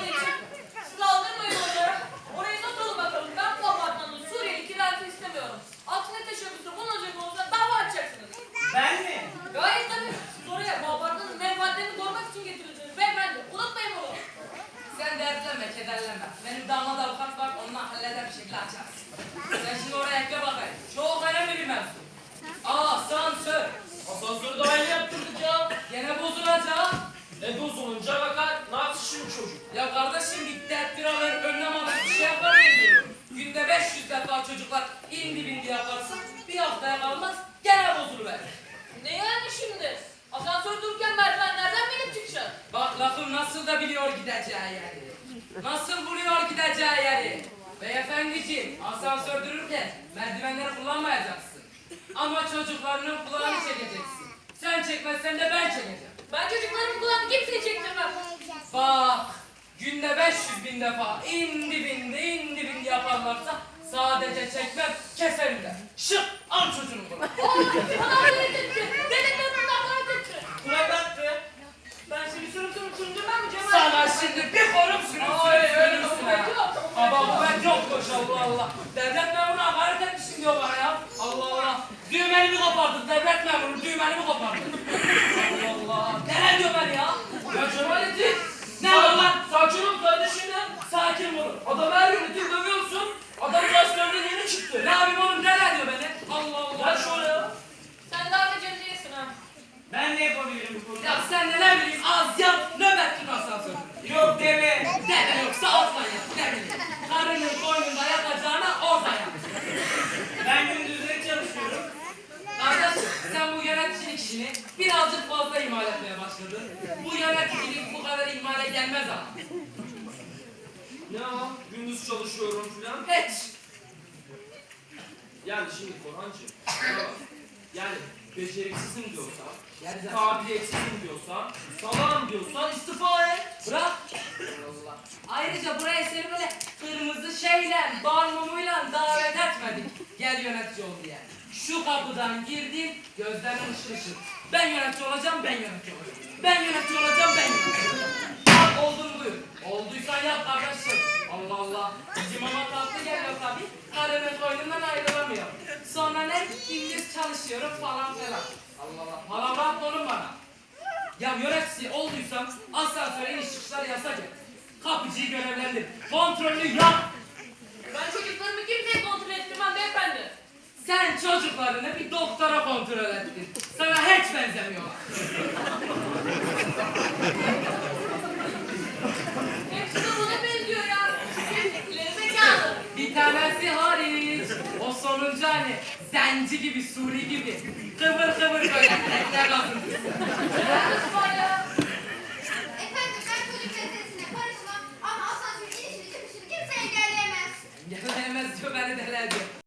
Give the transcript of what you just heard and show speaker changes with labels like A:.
A: anneciğim. Siz aldırmayın onları. Orayı not alın bakalım. Ben bu apartmanın Suriyeli kiracı istemiyorum. Aksine teşebbüsü bulunacak olursa dava açacaksınız.
B: Ben mi?
A: Gayet tabii. Siz oraya bu apartmanın menfaatlerini korumak için getirildiniz. Beyefendi unutmayın bunu.
C: Sen dertlenme, kederlenme. Benim damat avukat var, onunla halleder bir şekilde açarız. Sen şimdi oraya ekle bakayım. Çok önemli bir mevzu. Asansör.
B: Asansörü daha yeni yaptırdık ya.
C: Gene bozulacak.
B: Bozulunca bakar. Ne yapsın şimdi çocuk?
C: Ya kardeşim bir tedbir alır, önlem alır, bir şey yapar diyorum. Günde 500 defa çocuklar indi bindi yaparsa bir haftaya kalmaz gene bozuluverir.
A: Ne yani şimdi? Asansör dururken merdivenlerden binip çıkacak.
C: Bak lafım nasıl da biliyor gideceği yeri. Nasıl buluyor gideceği yeri. Beyefendiciğim asansör dururken merdivenleri kullanmayacaksın. Ama çocuklarının kulağını çekeceksin. Sen çekmezsen de ben çekeceğim.
A: Ben çocuklarımın kulağını kimseye çektirmem.
C: Bak günde 500.000 defa indi bindi yaparlarsa sadece çekmem keserim de. Şık al çocuğunu kulağına.
A: Bana öyle dedi. Dedim ben bundan bana dedi.
B: Kulak attı.
A: Ben şimdi sürüm süründürmem mi Cemal?
C: Sana şimdi bir korum sürüm Baba bu ben çok hoş Allah Allah. Devlet memuru hakaret etmişsin diyor bana ya. Allah Allah. Düğmenimi kopardın devlet memuru düğmenimi kopardın. Allah Allah. Neler diyor ben ya?
B: Ya Cemalettin.
C: Ne var lan?
B: Sakin ol kardeşim ya.
C: Sakin ol.
B: Adam her gün itin dövüyorsun. Adam gazetelerinden yeni çıktı.
C: Ne yapayım oğlum neler diyor beni? Allah Allah.
B: Gel şöyle ya.
A: Sen daha becericiysin ha.
B: Ben ne yapabilirim bu konuda?
C: Ya sen de ne bileyim az yap nöbet tut asansör.
B: Yok deme.
C: Deme yoksa altına yap ne bileyim. Karının koynunda yatacağına orada yat.
B: Ben gündüzleri çalışıyorum.
C: Kardeş sen bu yöneticilik işini birazcık fazla ihmal etmeye başladın. Bu yöneticilik bu kadar ihmale gelmez ama.
B: Ya gündüz çalışıyorum filan.
C: Hiç.
B: Yani şimdi Korhancığım. ya, Yani beceriksizim diyorsan,
C: Gerizekalı.
B: kabiliyetsizim diyorsan, salağım diyorsan istifa et.
C: Bırak. Allah. Ayrıca buraya seni böyle kırmızı şeyle, bal mumuyla davet etmedik. Gel yönetici ol diye. Şu kapıdan girdin, gözlerin ışıl ışıl. Ben yönetici olacağım, ben yönetici olacağım. Ben yönetici olacağım, ben yönetici olacağım. Bak oldun buyur. Olduysan yap kardeşim. Allah Allah. Bizim ama tatlı geliyor tabii. Karının koynundan ayrılamıyor. Sonra ne? Gündüz çalışıyorum falan filan. Allah Allah. Palavra konum bana. Ya yönetici olduysan asansöre iniş çıkışlar yasak et. Kapıcıyı görevlendir. Kontrolünü yap.
A: Ben çocuklarımı kimseye kontrol ettirmem beyefendi.
C: Sen çocuklarını bir doktora kontrol ettin. Sana hiç benzemiyorlar.
A: Hepsi de buna benziyor ya. İleri zekalı.
C: Bir tanesi hariç. O sonuncu hani zenci gibi, Suri gibi. Kıvır kıvır böyle tekne kazıntısı.
A: Nasıl var ya?